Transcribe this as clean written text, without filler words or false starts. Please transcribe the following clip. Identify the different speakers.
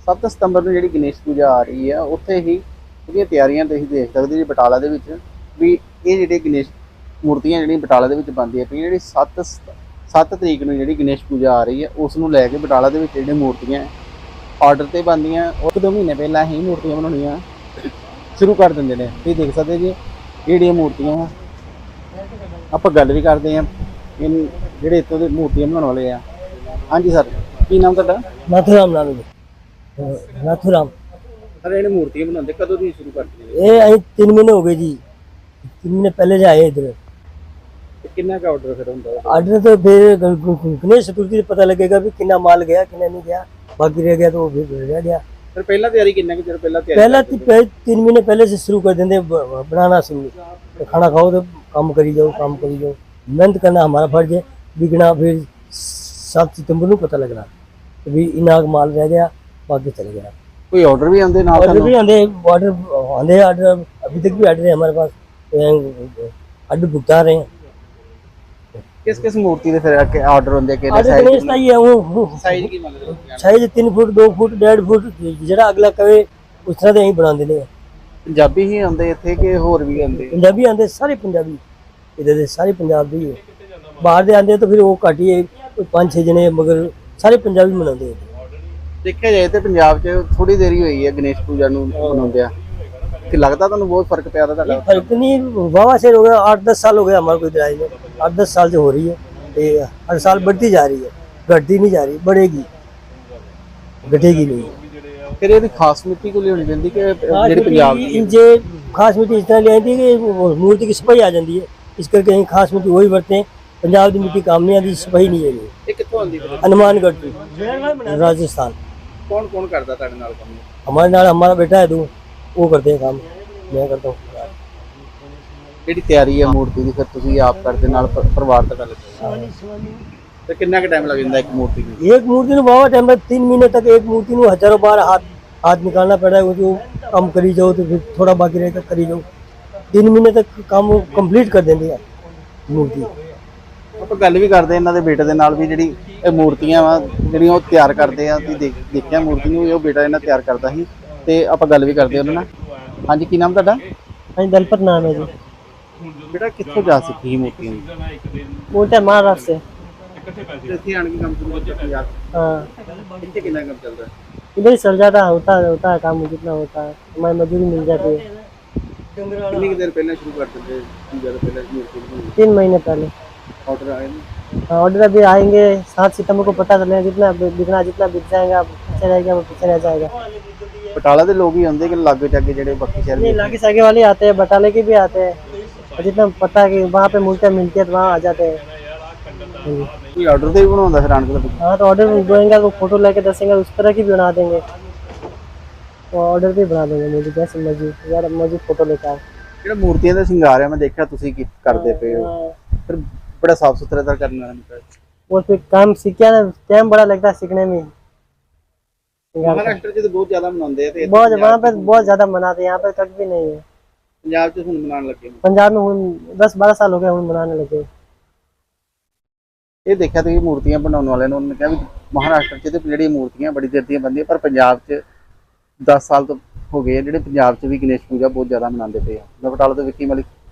Speaker 1: 7 ਸਤੰਬਰ ਨੂੰ ਜਿਹੜੀ ਗਣੇਸ਼ ਪੂਜਾ ਆ ਰਹੀ ਹੈ ਉੱਥੇ ਹੀ ਉਹਦੀਆਂ ਤਿਆਰੀਆਂ ਤੁਸੀਂ ਦੇਖ ਸਕਦੇ ਜੀ ਬਟਾਲਾ ਦੇ ਵਿੱਚ ਵੀ ਇਹ ਜਿਹੜੇ ਗਣੇਸ਼ ਮੂਰਤੀਆਂ ਜਿਹੜੀਆਂ ਬਟਾਲਾ ਦੇ ਵਿੱਚ ਬਣਦੀਆਂ ਪਈਆਂ ਜਿਹੜੀ 7 ਤਰੀਕ ਨੂੰ ਜਿਹੜੀ ਗਣੇਸ਼ ਪੂਜਾ ਆ ਰਹੀ ਹੈ ਉਸ ਨੂੰ ਲੈ ਕੇ ਬਟਾਲਾ ਦੇ ਵਿੱਚ ਜਿਹੜੀਆਂ ਮੂਰਤੀਆਂ ਆਰਡਰ ਤੇ ਬਣਦੀਆਂ ਉਹ 2 ਮਹੀਨੇ ਪਹਿਲਾਂ ਹੀ ਮੂਰਤੀਆਂ ਬਣਾਉਣੀਆਂ ਸ਼ੁਰੂ ਕਰ ਦਿੰਦੇ ਨੇ। ਤੁਸੀਂ ਦੇਖ ਸਕਦੇ ਜੀ ਜਿਹੜੀਆਂ ਮੂਰਤੀਆਂ ਆਪਾਂ ਗੱਲ ਵੀ ਕਰਦੇ ਹਾਂ ਜਿਹੜੇ ਇੱਥੋਂ ਦੇ ਮੂਰਤੀਆਂ ਬਣਾਉਣ ਵਾਲੇ ਆ। ਹਾਂਜੀ ਸਰ, ਕੀ ਨਾਮ ਤੁਹਾਡਾ?
Speaker 2: नाथूराम नाम है। नाथूराम
Speaker 1: सर ये मूर्तियां बनाते कदों दी शुरू करते हैं?
Speaker 2: ये अभी 3 महीने हो गए जी। 3 महीने पहले से आए इधर।
Speaker 1: कितना का ऑर्डर फिर होता है?
Speaker 2: ऑर्डर तो फिर गणेश चतुर्थी से पता लगेगा भी कितना माल गया कितना नहीं गया, बाकी रह गया तो वो फिर रह गया।
Speaker 1: फिर पहला तैयारी कितना की पहला तैयारी
Speaker 2: पहला 3 महीने पहले से शुरू कर देंगे बनाना शुरू। तो खाना खाओ तो काम करी जाओ, काम करी जाओ, मेहनत करना हमारा फर्ज है। बिकना फिर 7 सितंबर को पता लगना भी इनाग माल रह गया, बाकी चले गया।
Speaker 1: कोई ऑर्डर भी आंदे नाल?
Speaker 2: ऑर्डर भी आंदे, ऑर्डर अभी तक भी ऑर्डर है हमारे पास, ऑर्डर भुगता रहे हैं।
Speaker 1: किस मूर्ति दे फिर ऑर्डर होंदे के
Speaker 2: ऑर्डर गणेश का ही है वो
Speaker 1: साइज की मतलब
Speaker 2: साइज 3 फुट 2 फुट 1.5 फुट जेड़ा अगला कहे उस तरह दे ही बना देने।
Speaker 1: पंजाबी ही आंदे इत्थे के होर भी आंदे?
Speaker 2: पंजाबी आंदे, सारे पंजाबी इधर दे सारे पंजाब दे ही है। बाहर दे आंदे तो फिर वो घट ही है, 5-6 जने, मगर सारे पंजाबी मनाते हैं।
Speaker 1: देखा जाए तो पंजाब च थोड़ी देरी हुई है गणेश पूजा नूं मनाउंदिया कि लगता तुहानूं बहुत फर्क पिया दा?
Speaker 2: फर्क नहीं, वावा शेर हो गया, 8-10 साल हो गया हमारे को इधर आए में, 8-10 साल से हो रही है। ये हर साल बढ़ती जा रही है, घटती नहीं जा रही, बढ़ेगी, घटेगी नहीं।
Speaker 1: फिर ये खास मिट्टी को लेनी पैंदी कि जेह्ड़ी पंजाब दी
Speaker 2: इनसे खास मिट्टी इस तरह ले आती है कि मूर्ति की सफाई आ जाती है, इस करके कहीं खास मिट्टी वही बरते हैं। पंजाब की मिट्टी काम नहीं आती, सफाई नहीं है।
Speaker 1: ये कित्थों आंदी फिर?
Speaker 2: हनुमानगढ़ की, राजस्थान।
Speaker 1: कौन कौन करदा तुहाडे नाल काम?
Speaker 2: हमारे नाल हमारा बेटा है, दो वो करते हैं काम, मैं करता हूँ।
Speaker 1: ਜਿਹੜੀ ਤਿਆਰੀ ਹੈ ਮੂਰਤੀ ਦੀ ਫਿਰ ਤੁਸੀਂ ਆਪ ਕਰਦੇ ਨਾਲ ਪਰਿਵਾਰ ਦਾ ਗੱਲ ਤੇ ਕਿੰਨਾ ਕੁ ਟਾਈਮ ਲੱਗ ਜਾਂਦਾ ਇੱਕ ਮੂਰਤੀ ਨੂੰ?
Speaker 2: एक मूर्ति में बाबा टाइम 3 महीने तक एक मूर्ति में हजारों बार हाथ निकालना पड़ रहा है। वो जो काम करी जाओ तो फिर थोड़ा बाकी रहेगा करी जाओ, 3 महीने तक काम कंप्लीट कर देंगे मूर्ति।
Speaker 1: ਆਪਾਂ ਗੱਲ ਵੀ ਕਰਦੇ ਇਹਨਾਂ ਦੇ ਬੇਟੇ ਦੇ ਨਾਲ ਵੀ ਜਿਹੜੀ ਇਹ ਮੂਰਤੀਆਂ ਵਾ ਜਿਹੜੀਆਂ ਉਹ ਤਿਆਰ ਕਰਦੇ ਆ। ਤੁਸੀਂ ਦੇਖਿਆ ਮੂਰਤੀ ਨੂੰ ਉਹ ਬੇਟਾ ਇਹਨਾਂ ਤਿਆਰ ਕਰਦਾ ਸੀ ਤੇ ਆਪਾਂ ਗੱਲ ਵੀ ਕਰਦੇ ਉਹਨਾਂ ਨਾਲ। ਹਾਂਜੀ, ਕੀ ਨਾਮ ਤੁਹਾਡਾ?
Speaker 2: हाँ दलपत नाम है जी।
Speaker 1: बेटा कित्थों जा सीखी ही मूर्तियां दी?
Speaker 2: मूर्ति महाराष्ट्र से।
Speaker 1: ਇੱਥੇ ਆਣ ਕੇ ਕੰਮ ਸ਼ੁਰੂ ਕੀਤਾ ਪੰਜਾਬ?
Speaker 2: हाँ
Speaker 1: ਇੱਥੇ ਕਿੰਨਾ ਕੰਮ ਚੱਲਦਾ?
Speaker 2: इधर ही चल जाता होता है काम, जितना होता है हमारी मजदूरी मिल जाती है।
Speaker 1: कितनी देर पहले शुरू कर देते ज़्यादा पहले मूर्ति
Speaker 2: 3 महीने पहले
Speaker 1: ऑर्डर आए ना?
Speaker 2: ऑर्डर अभी आएंगे 7 सितंबर को पता चलेगा, जितना बिकना जितना बिक जाएगा पीछे रह गया वो पीछे रह जाएगा।
Speaker 1: बटाला के लोग ही आते कि लागे जाके जेडे बाकी शहर
Speaker 2: नहीं, लागे सागे वाले आते हैं, बटाले के भी आते हैं, और जितना पता है कि वहाँ पे मूर्तियाँ मिलती है तो वहाँ आ जाते हैं।
Speaker 1: कोई ऑर्डर दे भी बनाता फिर आन के?
Speaker 2: हाँ तो ऑर्डर देंगे तो फोटो लेके दसेंगे उस तरह की भी बना देंगे, तो ऑर्डर भी बना देंगे मूर्ति जैसे मर्जी, यार मर्जी फोटो लेकर आओ।
Speaker 1: ਜਿਹੜਾ ਮੂਰਤੀਆਂ ਦਾ ਸ਼ਿੰਗਾਰ ਹੈ ਮੈਂ ਦੇਖਿਆ ਤੁਸੀਂ ਕੀ ਕਰਦੇ ਪਏ ਹੋ, ਫਿਰ बड़ा साफ सुथरा तर करना है।
Speaker 2: और फिर काम सीखा ना, टाइम बड़ा लगता है सीखने में।
Speaker 1: महाराष्ट्र च तो बहुत ज्यादा मनाते हैं,
Speaker 2: बहुत वहाँ पे बहुत ज्यादा मनाते हैं, यहाँ पे कट भी नहीं है।
Speaker 1: पंजाब च हुण मनाने लगे?
Speaker 2: पंजाब में हुण 10-12 साल हो गए हुण मनाने लगे।
Speaker 1: ये देखा तो मूर्तियां बनाने वाले ने उन्होंने कहा भी महाराष्ट्र च तो ਜਿਹੜੀ मूर्तियां बड़ी देर ਦੀਆਂ बनदी पर पंजाब च 10 साल तो हो गए ਜਿਹੜੇ पंजाब च भी गणेश पूजा बहुत ज्यादा मनाते पे। मैं बटाला तो विक्की मलिक।